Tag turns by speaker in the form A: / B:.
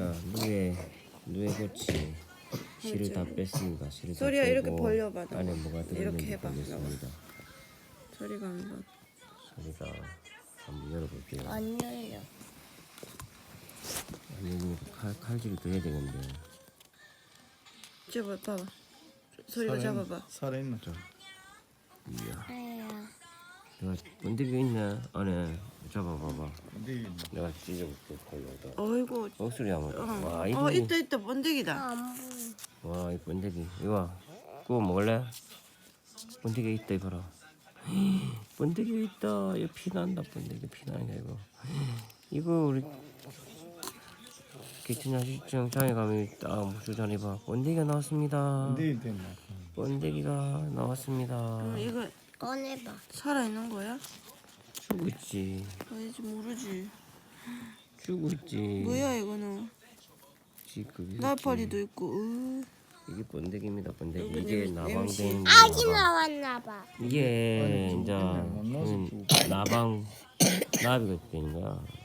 A: 자, 누에 고치 실을 다 뺐습니다. 실을 다
B: 소리야, 이렇게
A: 빼고
B: 벌려봐, 너.
A: 안에 뭐가
B: 이렇게
A: 들어있는지
B: 해봐,
A: 보겠습니다.
B: 소리가 한번.
A: 소리가 한번 열어볼게요.
C: 안 열려.
A: 아니 칼질을 더 해야 되는데.
B: 봐봐. 소리가 잡아봐.
D: 살아있나 저.
A: 이야,
C: 아야.
A: 내가 번데기 있네 안에. 잡아봐봐.
D: 근데
A: 내가 찢어볼게 걸려다.
B: 어이구.
A: 목소리 한번. 와 이거.
B: 있다. 번데기다.
C: 안 보여.
A: 와 이 번데기. 이거 구워 먹을래? 번데기 있다 이거라. 번데기 있다. 이거 피 난다. 번데기 피 나냐 이거. 이거 우리 개천야식장 장에 가면 딱 주전에 봐. 번데기가 나왔습니다.
D: 근데 됐나?
A: 번데기가 나왔습니다.
B: 이거
C: 꺼내봐.
B: 살아있는 거야?
A: 죽고 있지.
B: 아니지, 모르지.
A: 죽고 있지.
B: 뭐야, 이거는?
A: 지금
B: 날파리도 있고,
A: 이게 번데기입니다. 번데기.
B: 여기
A: 이게
B: 냄새.
A: 나방된.
C: 아기 나왔나봐.
A: 이게
D: 아니,
A: 이제
D: 못 넣어서
A: 나방 나비가 되는 거야.